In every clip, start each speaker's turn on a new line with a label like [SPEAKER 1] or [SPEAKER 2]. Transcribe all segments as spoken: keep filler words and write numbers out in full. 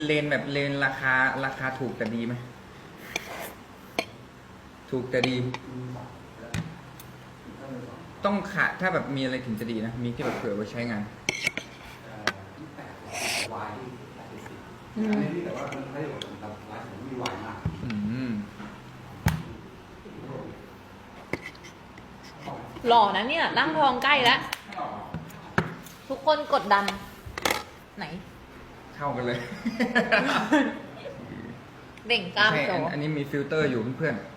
[SPEAKER 1] เลนแบบเลนราคาราคาถูกแต่ดีไหมถูกแต่ดี ต้องขาถ้าแบบมีอะไรถึงจะดีนะ มีที่แบบเผื่อไว้ใช้งาน
[SPEAKER 2] อืม
[SPEAKER 3] แต่ว่ามันไม่ได้แบบแบบร้านผมมีวายมาก
[SPEAKER 1] อืม
[SPEAKER 2] หล่อนะเนี่ยร่างทองใกล้แล้ว ทุกคนกดดัน ไหน
[SPEAKER 1] เข้ากันเลย
[SPEAKER 2] เด่งกล้าม
[SPEAKER 1] ใช่
[SPEAKER 2] โต
[SPEAKER 1] อันอันนี้มีฟิลเตอร์อยู่เพื่อนๆ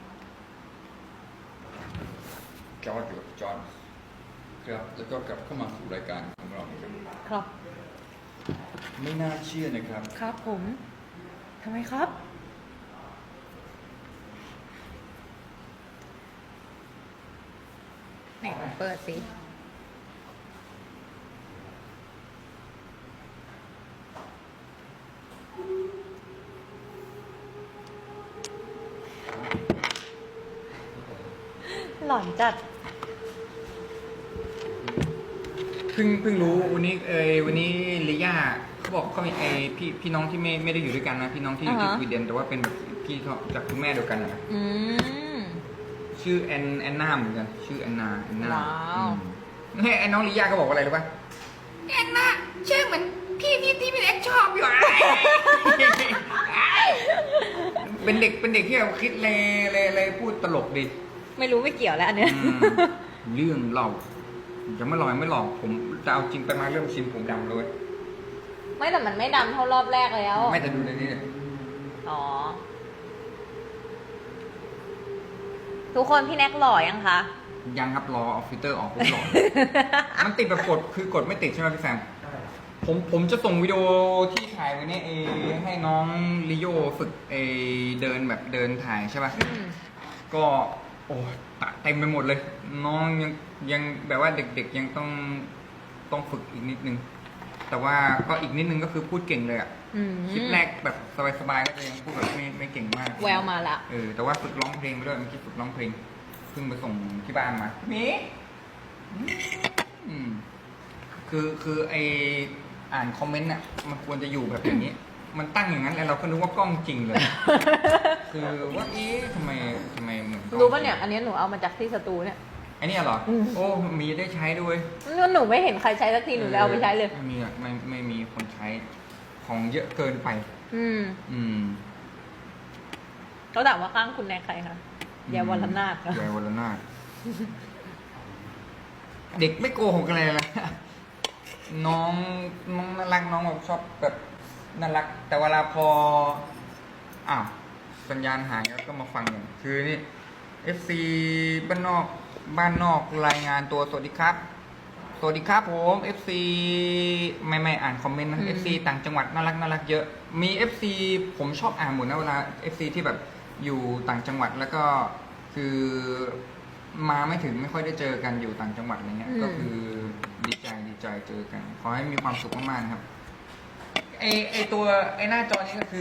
[SPEAKER 1] จอร์ดอยู่จอร์ดครับแล้วก็กลับเข้ามาสู่รายการของเราครับ
[SPEAKER 2] ครับ
[SPEAKER 1] ไม่น่าเชื่อนะครับ
[SPEAKER 2] ครับผมทำไมครับไหนเปิดสิ หลอนจัด
[SPEAKER 1] เพิ่งเพิ่งรู้วันนี้เอยวันนี้ลิย่าเขาบอกเขามีไอพี่พี่น้องที่ไม่ไม่ได้อยู่ด้วยกันนะพี่น้องที่อยู่ที่
[SPEAKER 2] อ่า
[SPEAKER 1] ส
[SPEAKER 2] ฮะ
[SPEAKER 1] วีเดนแต่ว่าเป็นแบบพี่เขาจากคุณแม่เดียวกันนะ
[SPEAKER 2] อืม
[SPEAKER 1] ชื่อแอนแอนนาเหมือนกันชื่อแอนนาแอนนา
[SPEAKER 2] ว้าว
[SPEAKER 1] เฮ้ยไอ้น้องลิย่าก็บอกว่าอะไรรู้ป่ะแอนนาชื่อเหมือนพี่ที่ที่พี่เล็กชอบอยู่ อะเป็นเด็กเป็นเด็กที่แบบคิดเลยเลยเลยพูดตลกดี
[SPEAKER 2] ไม่รู้ไม่เกี่ยวแล้วอันเนี้ย
[SPEAKER 1] อืมเรื่องเราจะไม่ลอยไม่หลอกผมจะเอาจริงไปมาเริ่มชินผมดำเลย
[SPEAKER 2] ไม่แต่มันไม่ดำเท่ารอบแรกแล้ว
[SPEAKER 1] ไม่แต่ดูในนี้เนี่ย
[SPEAKER 2] อ๋อ ทุกคนพี่แน็กหล่อยังคะ
[SPEAKER 1] ยังครับรอเอาฟิลเตอร์ออกปุ๊บหลอด มันติดแบบกดคือกดไม่ติดใช่ไหมพี่แซมผมผมจะส่งวิดีโอที่ถ่ายไว้เนี่ยเอให้น้องลิโยฝึกเอเดินแบบเดินถ่ายใช่ป่ะ
[SPEAKER 2] อืม
[SPEAKER 1] ก็โอ้ตะเต็มไปหมดเลย น้องยังยังแบบว่าเด็กๆยังต้องต้องฝึกอีกนิดนึง แต่ว่าก็อีกนิดนึงก็คือพูดเก่งเลยอะ
[SPEAKER 2] อืม
[SPEAKER 1] คลิปแรกแบบสบายๆก็จะยังพูดแบบไม่ไม่เก่งมาก
[SPEAKER 2] แววมาละ
[SPEAKER 1] เออแต่ว่าฝึกร้องเพลงไปด้วยเมื่อกี้ฝึกร้องเพลงเพิ่งไปส่งที่บ้านมาเมอืมคือคือไออ่านคอมเมนต์อ่ะมันควรจะอยู่แบบอย่างนี้ มันตั้งอย่างนั้นแล้วเราก็นึกว่ากล้องจริงเลย คือว่าเอ๊ะทำไมทำไมเหมือนกล้อง
[SPEAKER 2] รู้ป่ะเนี่ย อันนี้หนูเอามาจากที่สตูเนี่ย
[SPEAKER 1] ไอเนี่ยเหรอ
[SPEAKER 2] อืม
[SPEAKER 1] โอ้มีได้ใช้ด้วย
[SPEAKER 2] หนูไม่เห็นใครใช้สักทีหนูเลยเอาไปใช้เลย
[SPEAKER 1] ไม่มีอ่ะไม่ไม่มีคนใช้ของเยอะเกินไป
[SPEAKER 2] อืม
[SPEAKER 1] อืม
[SPEAKER 2] เขาถามว่าข้างคุณแน็กใครคะยายวรนาถค่ะ
[SPEAKER 1] ยายวรนาถ เด็กไม่โกหกอะไรเลย น้องน้องน่ารักน้องแบบชอบแบบน่ารัก แต่เวลาพออ้าวสัญญาณหายแล้วก็มาฟังกันคือนี่ เอฟ ซี บ้านนอกบ้านนอกรายงานตัวสวัสดีครับ สวัสดีครับผม เอฟ ซี ไม่ไม่อ่านคอมเมนต์นะ เอฟ ซี ต่างจังหวัดน่ารักน่ารักเยอะ มี เอฟ ซี ผมชอบอ่านหมดนะเวลา เอฟ ซี ที่แบบอยู่ต่างจังหวัดแล้วก็คือมาไม่ถึงไม่ค่อยได้เจอกันอยู่ต่างจังหวัดอะไรเงี้ย
[SPEAKER 2] อืม
[SPEAKER 1] ก็คือดีใจดีใจเจอกัน ขอให้มีความสุขมากๆนะครับ ไอไอตัวไอหน้าจอนี้ก็คือ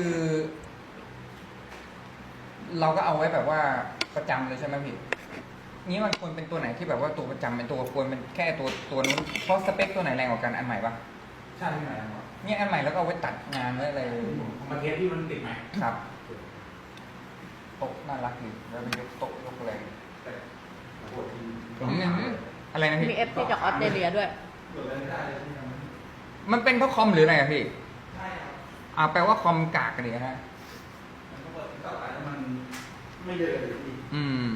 [SPEAKER 1] เราก็เอาไว้แบบว่าประจำเลยใช่ไหมพี่ นี้มันควรเป็นตัวไหนที่แบบว่าตัวประจำเป็นตัวควรเป็นแค่ตัวตัวนู้นเพราะสเปคตัวไหนแรงกว่ากันอันใหม่ปะ
[SPEAKER 3] ใช่ไหมครับ
[SPEAKER 1] เนี่ยอันใหม่แล้วก็เอาไว้ตัดงานไว้อะไร
[SPEAKER 3] มาเทสที่มันติดไหม
[SPEAKER 1] ครับโต๊ะน่ารักดีแล้วเป็นยกโต๊ะยกแรง
[SPEAKER 3] แต่ปวดที
[SPEAKER 1] ผมเนี่ยอะไรนะพี่
[SPEAKER 2] มีเอฟซีจากออสเตรเลียด้วย
[SPEAKER 3] เปิดอะไรไม่ได้เลยใช่ไหม
[SPEAKER 1] มันเป็นเพราะคอมหรืออะไรอะพี่
[SPEAKER 3] ใช่ครับ
[SPEAKER 1] อ่าแปลว่าคอมกากกันดิฮะ
[SPEAKER 3] มันก็เปิดต่อไปแล้วมันไม่เดินเลยพี่
[SPEAKER 1] อืม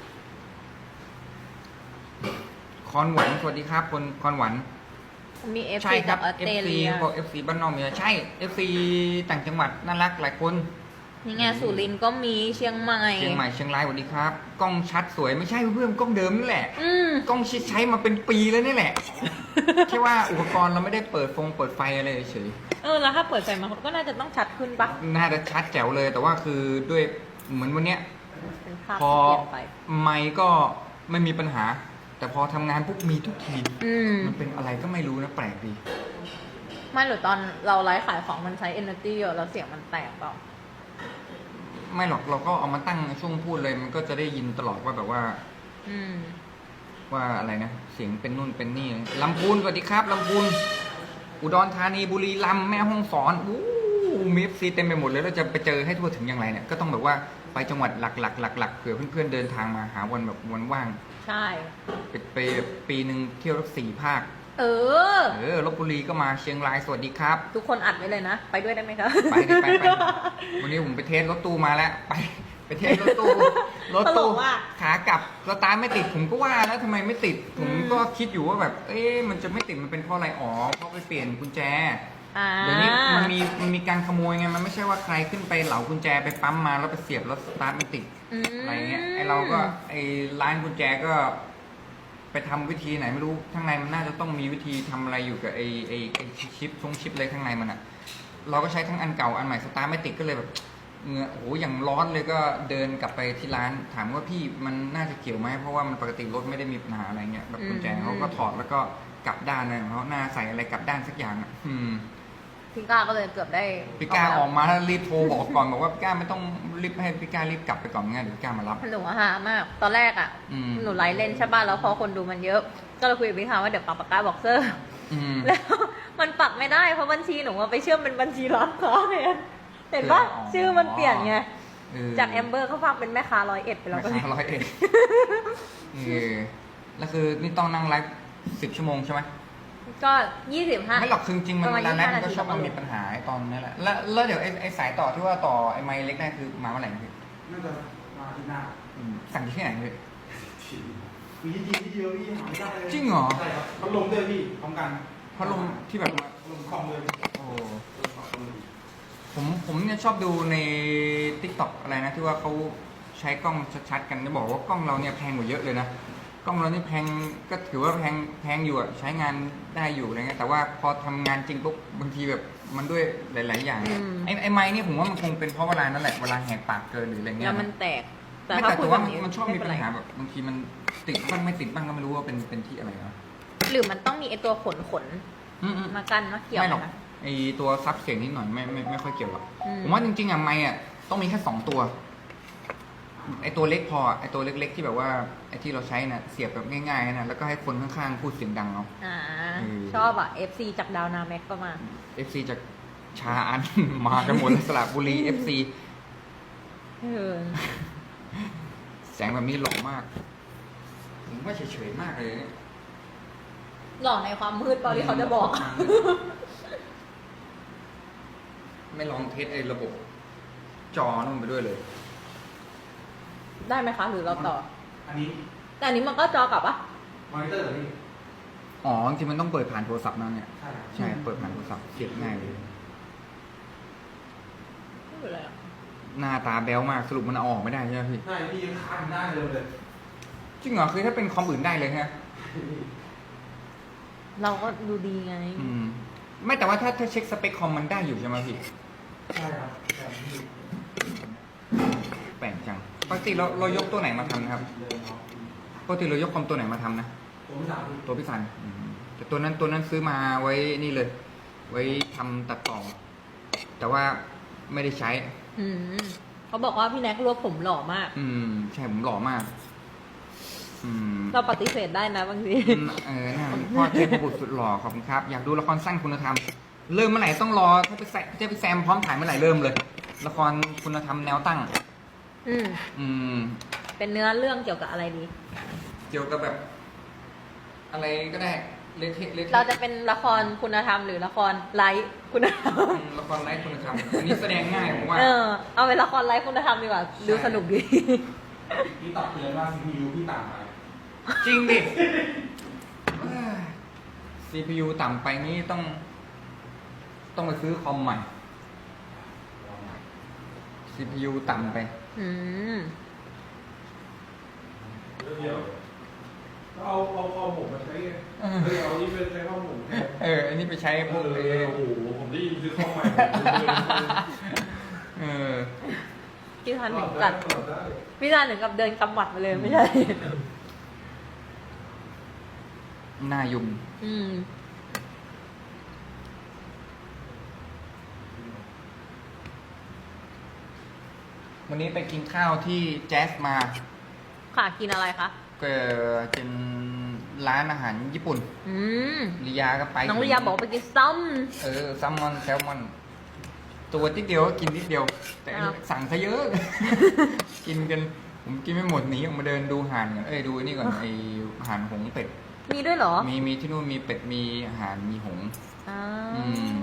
[SPEAKER 1] คอนหวันสวัสดีครับคนคอนหวัน
[SPEAKER 2] มีเอฟ
[SPEAKER 1] ใช่
[SPEAKER 2] ซี
[SPEAKER 1] ครั
[SPEAKER 2] จา
[SPEAKER 1] บ
[SPEAKER 2] กออสเตร
[SPEAKER 1] เอฟ ซี
[SPEAKER 2] เลีย
[SPEAKER 1] เขาบอก เอฟ ซี บ้านนอกมีใช่ เอฟ ซี ต่างจังหวัดน่ารักหลายคน
[SPEAKER 2] นี่ไงสุรินทร์ก็มีเชียงใหม่
[SPEAKER 1] เชียงใหม่เชียงรายสวัสดีครับ กล้องชัดสวยไม่ใช่เพื่อนกล้องเดิมนี่แหละ
[SPEAKER 2] อืม
[SPEAKER 1] กล้องชิดใช้มาเป็นปีแล้วนี่แหละ แค่ว่าอุปกรณ์เราไม่ได้เปิดฟงเปิดไฟอะไรเฉย
[SPEAKER 2] เออแล้วถ้าเปิดไฟมาก็น่าจะต้องชัดขึ้นปะ
[SPEAKER 1] น่าจะชัดแจ๋วเลย แต่ว่าคือด้วยเหมือนวันเนี้ย
[SPEAKER 2] เป็นภาพ
[SPEAKER 1] พอ
[SPEAKER 2] ที่เปลี่ยนไป
[SPEAKER 1] ไมค์ก็ไม่มีปัญหา แต่พอทำงานปุ๊บมีทุกที
[SPEAKER 2] อืม
[SPEAKER 1] มันเป็นอะไรก็ไม่รู้นะแปลกดี
[SPEAKER 2] ไม่หรือตอนเราไลฟ์ขายของมันใช้ energy เยอะแล้วเสียงมันแตกเปล่า
[SPEAKER 1] ไม่หรอกเราก็เอามาตั้งช่วงพูดเลย มันก็จะได้ยินตลอดว่าแบบว่า
[SPEAKER 2] อืม
[SPEAKER 1] ว่าอะไรนะเสียงเป็นนู่นเป็นนี่ลำพูนสวัสดีครับลำพูนอุดรธานีบุรีรัมย์แม่ฮ่องสอนอู้มี เอฟ ซี เต็มไปหมดเลยเราจะไปเจอให้ทั่วถึงอย่างไรเนี่ยก็ต้องแบบว่าไปจังหวัดหลักๆหลักๆเผื่อเพื่อนๆเดินทางมาหาวันแบบวันว่าง
[SPEAKER 2] ใช่
[SPEAKER 1] ไปไปปีหนึ่งเที่ยวรักสี่ภาค
[SPEAKER 2] เออ
[SPEAKER 1] เออลบบุรีก็มาเชียงรายสวัสดีครับ
[SPEAKER 2] ทุกคนอัดไว้เลยนะ ไปด้วยได้ไหมคะ
[SPEAKER 1] ไปดิไปไปวันนี้ผมไปเทสรถตู้มาแล้ว ไปไปเทสรถตู้รถ
[SPEAKER 2] ตล
[SPEAKER 1] ตู้
[SPEAKER 2] กว่ะ
[SPEAKER 1] ขากลับสตาร์ทไม่ติดผมก็ว่าแล้วทำไมไม่ติด ผม
[SPEAKER 2] อืม
[SPEAKER 1] ก็คิดอยู่ว่าแบบ เอ๊ะมันจะไม่ติดมันเป็นเพราะอะไรอ๋อเพราะไปเปลี่ยนกุญแจ
[SPEAKER 2] อ่า
[SPEAKER 1] เดี๋ยวนี้มันมีมันมีการขโมยไงมันไม่ใช่ว่าใครขึ้นไปเหลากุญแจไปปั๊มมาแล้วไปเสียบแล้วสตาร์ทไม่ติด
[SPEAKER 2] อืม
[SPEAKER 1] อะไรเงี้ยไอเราก็ไอร้านกุญแจก็ ไปทำวิธีไหนไม่รู้ข้างในมันน่าจะต้องมีวิธีทำอะไรอยู่กับไอไอไอชิปชงชิปอะไรข้างในมันอะเราก็ใช้ทั้งอันเก่าอันใหม่สตาร์ทไม่ติดก็เลยแบบเหงื่อโอ้โหอย่างร้อนเลยก็เดินกลับไปที่ร้านถามว่าพี่มันน่าจะเกี่ยวไหมเพราะว่ามันปกติรถไม่ได้มีปัญหาอะไรเงี้ยแบบกุญแจเขาก็ถอดแล้วก็กลับด้านเลยเขาหน้าใส่อะไรกลับด้านสักอย่างอะอืม
[SPEAKER 2] พี่ก้าก็เลยเกือบได้
[SPEAKER 1] พี่ก้าออกมาแล้วรีบโทรบอกก่อนบอกว่าพี่ก้าไม่ต้องรีบให้พี่ก้ารีบกลับไปก่อนงั้นเดี๋ยวพี่ก้ามารับ
[SPEAKER 2] หนูอะฮามาก ตอนแรกอ่ะ
[SPEAKER 1] อืม
[SPEAKER 2] หนูไลฟ์เล่นใช่ป่ะแล้วพอคนดูมันเยอะ ก็เลยคุยกับพี่ฮาว่าเดี๋ยวปักปากกาบอกเซอร์
[SPEAKER 1] อืม
[SPEAKER 2] แล้วมันปักไม่ได้เพราะบัญชีหนูอะไปเชื่อมเป็นบัญชีร้านค้าแทนเห็นปะ
[SPEAKER 1] อ๋อ
[SPEAKER 2] ชื่อมันเปลี่ยนไง
[SPEAKER 1] เออ
[SPEAKER 2] จากแอมเบอร์เขาฝากเป็นแม่ค้าร้อยเอ็ดไปแล้วก็
[SPEAKER 1] ไม่ค้าร้อยเอ็ดเออแล้วคือนี่ต้องนั่งไลฟ์สิบชั่วโมงใช่ไหม
[SPEAKER 2] ก็ยี่สิบห้า
[SPEAKER 1] ไม่หรอกคือจริงๆมัน
[SPEAKER 2] ประมาณ
[SPEAKER 1] ร้านแรกมันก็
[SPEAKER 2] ยี่สิบห้า
[SPEAKER 1] ชอบมัน
[SPEAKER 2] นาที
[SPEAKER 1] มีปัญหาไอ้ตอนนี้แหละแล้วแล้วเดี๋ยวไอ้ไอ้สายต่อที่ว่าต่อไอ้ไมค์เล็กได้คือมาเมื่อไหร่นะพี่
[SPEAKER 3] น่าจะมาที่หน้า
[SPEAKER 1] อืมสั่งที่ไหนพี่
[SPEAKER 3] มีที่ที่เดียวพี่หาไม่ได้เลย
[SPEAKER 1] จริงเหรอ
[SPEAKER 3] ใช่ครับพัดลมด้วยพี่พร้อมกัน
[SPEAKER 1] พัดลมที่แบบว่า
[SPEAKER 3] พัดลมคอมเลย
[SPEAKER 1] โอ้ผมผมเนี่ยชอบดูใน ติ๊กต็อก อะไรนะที่ว่าเขาใช้กล้องชัดๆกันจะบอกว่ากล้องเราเนี่ยแพงกว่าเยอะเลยนะกล้องเรานี่แพงก็ถือว่าแพงแพงอยู่อะใช้งานได้อยู่อะไรเงี้ยแต่ว่าพอทำงานจริงปุ๊บบางทีแบบมันด้วยหลาย ๆ อย่าง
[SPEAKER 2] อืม
[SPEAKER 1] ไอ้ไอ้ไม้เนี่ยผมว่ามันคงเป็นเพราะเวลานั่นแหละเวลาแหกปากเกินหรืออะไรเงี้
[SPEAKER 2] แล้
[SPEAKER 1] ยว
[SPEAKER 2] มันแตก แต่
[SPEAKER 1] ไม่
[SPEAKER 2] ถ้า
[SPEAKER 1] แต่
[SPEAKER 2] คุย
[SPEAKER 1] แต่
[SPEAKER 2] แบ
[SPEAKER 1] ว่า
[SPEAKER 2] บ
[SPEAKER 1] มัน
[SPEAKER 2] นี้
[SPEAKER 1] มันชอบมี
[SPEAKER 2] ไเป็
[SPEAKER 1] ปัญ
[SPEAKER 2] ไร
[SPEAKER 1] หาแบบบางทีมันติดบ้างไม่ติดบ้างก็ไม่รู้ว่าเป็นเป็นที่อะไรเนาะ
[SPEAKER 2] หรือมันต้องมีไอตัวขนขน
[SPEAKER 1] อืม
[SPEAKER 2] ๆมากันมาเกี่ยว
[SPEAKER 1] ไม่หรอก
[SPEAKER 2] นะ
[SPEAKER 1] ไอตัวซับเสียงนิดหน่อยไม่ไม่ไม่ค่อยเกี่ยวหรอก
[SPEAKER 2] อืม
[SPEAKER 1] ผมว่าจริงๆอ่ะไมค์อ่ะต้องมีแค่สองตัวไอตัวเล็กพอไอตัวเล็ก ๆ ที่แบบว่าไอที่เราใช้นะเสียบแบบง่ายๆนะแล้วก็ให้คนข้างๆพูดเสียงดังเอา
[SPEAKER 2] อ่า
[SPEAKER 1] เออ
[SPEAKER 2] ชอบอ่ะ เอฟ ซี จากดาวนาแม็กก็มา
[SPEAKER 1] เอฟซีจากชาอัน มากันหมดเลยสระบุรีเอฟซี
[SPEAKER 2] เออ
[SPEAKER 1] แสงแบบนี้หล่อมาก ผมว่าเฉยๆมากเลยเนี่ย
[SPEAKER 2] หล่อในความมืดเปล่าที่เขาจะบอก
[SPEAKER 1] ไม่ลองเทสไอ้ระบบ จอนั่นไปด้วยเลย
[SPEAKER 2] ได้ไหมคะ หรือเราต่อ
[SPEAKER 3] อันนี้
[SPEAKER 2] แต่อันนี้มันก็จอกลับปะ
[SPEAKER 3] มอนิเตอร์เหรอพี่
[SPEAKER 1] อ๋อจริงๆมันต้องเปิดผ่านโทรศัพท์นั่นเนี่ย
[SPEAKER 3] ใช่ครับ
[SPEAKER 1] ใช่ เปิดผ่านโทรศัพท์เสียบง่ายเลย
[SPEAKER 2] ไม่เป็นไรอะ
[SPEAKER 1] หน้าตาแบ๊วมากสรุปมันเอาออกไม่ได้ใช่ไหมพี่
[SPEAKER 3] ใช่พี่ยังค้างได้เลยเลย
[SPEAKER 1] จริงเหรอคือถ้าเป็นคอมอื่นได้เลยฮะ
[SPEAKER 2] เราก็ดูดีไง
[SPEAKER 1] อืม ไม่แต่ว่าถ้าถ้าเช็คสเปคคอมมันได้อยู่ใช่ไหมพี่
[SPEAKER 3] ใช่ครับแบบนี้
[SPEAKER 1] แปลกจังปกติเราเรายกตัวไหนมาทำนะครับ
[SPEAKER 3] เลยเนาะ
[SPEAKER 1] ปกติเรายกคอมตัวไหนมาทำนะ
[SPEAKER 3] ตัวที่สามพี่
[SPEAKER 1] ตัวพี่สันอืมแต่ตัวนั้นตัวนั้นซื้อมาไว้นี่เลย ไว้ทำตัดต่อ แต่ว่าไม่ได้ใช้
[SPEAKER 2] อืมเขาบอกว่าพี่แน็กรวบผมหล่อมาก
[SPEAKER 1] อืม ใช่ผมหล่อมาก อืม
[SPEAKER 2] เราปฏิเสธได้นะบางที
[SPEAKER 1] อืมเออน่าพ่อเทพบุตรสุดหล่อขอบคุณครับ อยากดูละครสั้นคุณธรรม เริ่มเมื่อไหร่ต้องรอ ถ้าไปแซถ้าไปแซมพร้อมถ่ายเมื่อไหร่เริ่มเลย ละครคุณธรรมแนวตั้ง
[SPEAKER 2] อืม
[SPEAKER 1] อืม
[SPEAKER 2] เป็นเนื้อเรื่องเกี่ยวกับอะไรดี
[SPEAKER 1] เกี่ยวกับแบบ อะไรก็ได้ เละเทะเละเทะ
[SPEAKER 2] เราจะเป็นละครคุณธรรมหรือละครไลฟ์คุณธรรม
[SPEAKER 1] อืมละครไร้คุณธรรม อันนี้แสดงง่ายผมว่า
[SPEAKER 2] เออ เอาเป็นละครไลฟ์คุณธรรมดีกว่า ดูสนุกดี
[SPEAKER 3] พี่ตัดเตือนว่า ซี พี ยู พี่ต่ำไป
[SPEAKER 1] จริงดิเอ้ย ซี พี ยู ต่ำไปนี่ต้อง ต้องไปซื้อคอมใหม่ ซี พี ยู ต่ำไป
[SPEAKER 2] อืม
[SPEAKER 3] เดี๋ยวเอาเอาคอมผมมาใช้ไง
[SPEAKER 1] เออ
[SPEAKER 3] เฮ้ยเอานี่ไปใช้คอมผมแทน
[SPEAKER 1] เออ อันนี้ไปใช้พวก
[SPEAKER 3] เอ
[SPEAKER 1] เอ
[SPEAKER 3] อ
[SPEAKER 1] อ
[SPEAKER 3] โอ้โหผมได้ยินซื้อคอมใหม่ผมเลย
[SPEAKER 1] เออ
[SPEAKER 2] พี่ทัน
[SPEAKER 3] ต
[SPEAKER 2] ถึ
[SPEAKER 3] อบ
[SPEAKER 2] ง
[SPEAKER 3] ได้
[SPEAKER 2] กัด
[SPEAKER 3] ตอบได้
[SPEAKER 2] พี่ทันถึงกับเดินกำหมัดไปเลยไม่ใช่
[SPEAKER 1] หน้ายุง
[SPEAKER 2] อืม
[SPEAKER 1] วันนี้ไปกินข้าวที่แจ๊สมา
[SPEAKER 2] ค่ะกินอะไรคะ
[SPEAKER 1] ก็เป็นร้านอาหารญี่ปุ่น
[SPEAKER 2] อืม
[SPEAKER 1] ลียาก็ไป
[SPEAKER 2] น้องลิยาบอกว่าไปกินซ้
[SPEAKER 1] เออแซลมอนแซลมอน
[SPEAKER 2] ำ
[SPEAKER 1] ตัวนิดเดียวก็กินนิดเดียว แต่
[SPEAKER 2] อ้าว
[SPEAKER 1] สั่งซะเยอะ กินกันผมกินไม่หมดหนีออกมาเดินดูห่านก่อนเอ้ยดูไอ้นี่ก่อนไอห่านหงส์เป็ด
[SPEAKER 2] มีด้วยเหรอ
[SPEAKER 1] มีมีที่นู่นมีเป็ดมีห่านมีหงส์
[SPEAKER 2] อ่า
[SPEAKER 1] อืม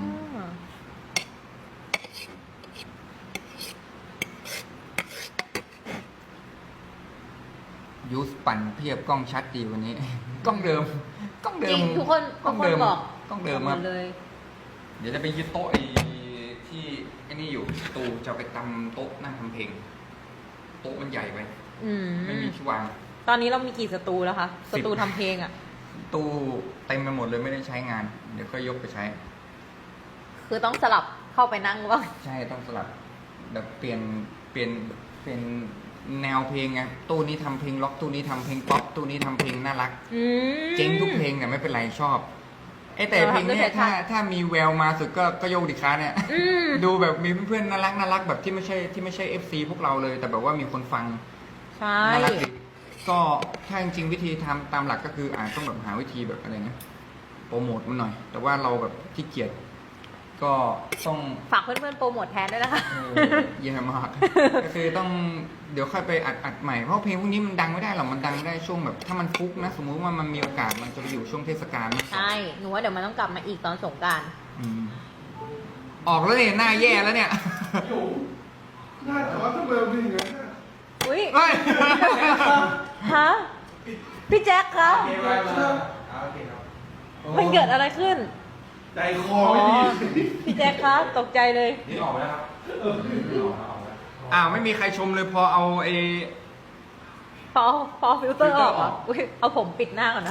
[SPEAKER 1] ยูสปั่นเพียบกล้องชัดดีวันนี้ กล้องเดิม กล้องเดิ
[SPEAKER 2] จริ
[SPEAKER 1] ม
[SPEAKER 2] งทุกคน
[SPEAKER 1] กล้
[SPEAKER 2] ทุ
[SPEAKER 1] อก ง
[SPEAKER 2] คน
[SPEAKER 1] เดิม
[SPEAKER 2] บอก
[SPEAKER 1] กล้องเดิม
[SPEAKER 2] ห
[SPEAKER 1] ครับ
[SPEAKER 2] ดเลย
[SPEAKER 1] เดี๋ยวจะไปยึดโต๊ะไอ้ที่ไอ้นี่อยู่ตูจะเอาไปตำโต๊ะนั่งทำเพลง โต๊ะมันใหญ่ไป
[SPEAKER 2] อืม
[SPEAKER 1] ไม่มีที่วาง
[SPEAKER 2] ตอนนี้เรามีกี่สตูแล้วคะ
[SPEAKER 1] สิ
[SPEAKER 2] ส
[SPEAKER 1] บ
[SPEAKER 2] ตูทำเพลงอ่ะ
[SPEAKER 1] ตู้เต็มไปหมดเลยไม่ได้ใช้งาน เดี๋ยวก็ยกไปใช้
[SPEAKER 2] คือต้องสลับเข้าไปนั่งว่า
[SPEAKER 1] ใช่ต้องสลับแบบเปลี่ยนเปลี่ยนเปลี่ยนแนวเพลงไงตู้นี้ทำเพลงล็อกตู้นี้ทำเพลงป๊อปตู้นี้ทำเพลงน่ารัก
[SPEAKER 2] อืม
[SPEAKER 1] เจ๊งทุกเพลงเนี่ยไม่เป็นไรชอบไอ้แต่
[SPEAKER 2] เรา
[SPEAKER 1] เพลง
[SPEAKER 2] ทำด้วย
[SPEAKER 1] เนี่ย
[SPEAKER 2] แพชชั่
[SPEAKER 1] ถ้าน ถ้ามีแววมาสุดก็ก็โยกดิค้าเนี่ย
[SPEAKER 2] อืม
[SPEAKER 1] ดูแบบมีเพื่อนๆน่ารักน่ารักแบบที่ไม่ใช่ที่ไม่ใช่ เอฟ ซี พวกเราเลย แต่แบบว่ามีคนฟัง
[SPEAKER 2] ใช่
[SPEAKER 1] น่ารักดีก็ถ้าจริงๆวิธีทำตามหลักก็คืออาจต้องแบบหาวิธีแบบอะไรนะโปรโมทมันหน่อย แต่ว่าเราแบบขี้เกียจก็ต้อง
[SPEAKER 2] ฝากเพื่อนๆโปรโมทแทนด้วยนะคะ
[SPEAKER 1] เออเยี่ยมมาก ก็คือต้องเดี๋ยวค่อยไปอัดอัดใหม่เพราะเพลงพวกนี้มันดังไม่ได้หรอกมันดังได้ช่วงแบบถ้ามันฟุกนะ สมมุติว่ามันมีโอกาสมันจะไปอยู่ช่วงเทศกาลมากกว่า
[SPEAKER 2] ใช่ หนูว่าเดี๋ยวมันต้องกลับมาอีกตอนสงกราร
[SPEAKER 1] อืมออกแล้วเนี่ยหน้าแย่แล้วเนี่ย
[SPEAKER 3] อยู่หน้าจอทำไมมันเป็นอย่างนั้นน่ะ
[SPEAKER 2] อุ้ย
[SPEAKER 1] เฮ้ย
[SPEAKER 2] ฮะ พี่แจ็คคะ
[SPEAKER 3] โอเคไปมาอ่าโอเคครับ
[SPEAKER 2] มันเกิดอะไรขึ้น
[SPEAKER 3] ใจคอไม่ดี
[SPEAKER 2] พี่แจ็คคะตกใจเลย
[SPEAKER 3] นี่ออกไปแล้วครับเออนี่ออกแล้วออกแล้ว
[SPEAKER 1] อ้าวไม่มีใครชมเลยพอเอาไอ้
[SPEAKER 2] พอพอฟิลเตอร์ออก
[SPEAKER 1] ฟิลเตอร์อ
[SPEAKER 2] อ่ะ
[SPEAKER 1] อก
[SPEAKER 2] อุ้ยเอาผมปิดหน้าก่อนนะ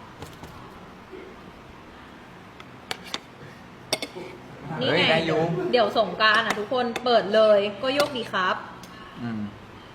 [SPEAKER 2] นี่
[SPEAKER 1] เฮ้ย
[SPEAKER 2] ไง
[SPEAKER 1] ได้อยู่
[SPEAKER 2] เดี๋ยวสงกรารอ่ะทุกคนเปิดเลยก็โยกดีครับ
[SPEAKER 1] อืม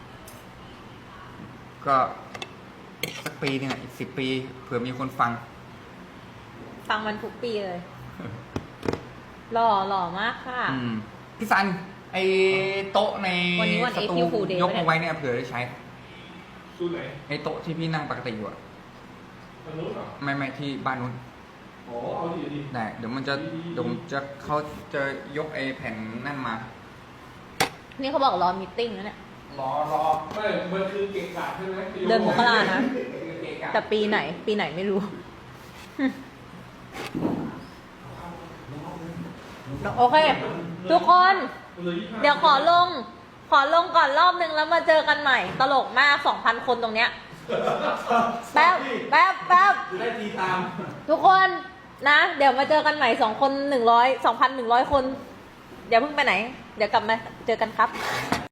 [SPEAKER 1] ก็สักปีหนึงอ่ะอีกสิบปีเผื่อมีคนฟัง
[SPEAKER 2] ฟังมันทุกปีเลย หล่อหล่อมากค่ะ
[SPEAKER 1] อืมพี่ซันไอ้โต๊ะใน
[SPEAKER 2] วันนี้วัน
[SPEAKER 1] สตู
[SPEAKER 2] April Fool Day
[SPEAKER 1] ยกมาไว้เนี่ยเผื่อได้ใช้
[SPEAKER 3] สู้ไหน
[SPEAKER 1] ไอ้โต๊ะที่พี่นั่งปกติอยู่อะ
[SPEAKER 3] ทางนู้นเหรอ
[SPEAKER 1] ไม่ไม่ที่บ้านนู้น
[SPEAKER 3] อ๋อเอาดีดี
[SPEAKER 1] ได้เดี๋ยวมันจะเดี๋ยวผมจะเขาจะยกไอ้แผ่นนั่นมา
[SPEAKER 2] นี่เขาบอกรอมีตติ้งนะเนี่ย
[SPEAKER 1] รอรอ
[SPEAKER 3] ไม่มันคือเก่งกาจใช่ไหม
[SPEAKER 2] เดือนมกรานะ
[SPEAKER 1] เกะกะ
[SPEAKER 2] แต่ปีไหน ปีไหนไม่รู้ โอเค ทุกคน เดี๋ยวขอลง ขอลงก่อนรอบนึงแล้วมาเจอกันใหม่ ตลกมากสองพันคนตรงเนี้ย แป๊บ แป๊บ แป๊บ
[SPEAKER 3] ได้ทีตาม
[SPEAKER 2] ทุกคนนะ เดี๋ยวมาเจอกันใหม่สองคนหนึ่งร้อยสองพันหนึ่งร้อยคน เดี๋ยวเพิ่งไปไหน เดี๋ยวกลับมาเจอกันครับ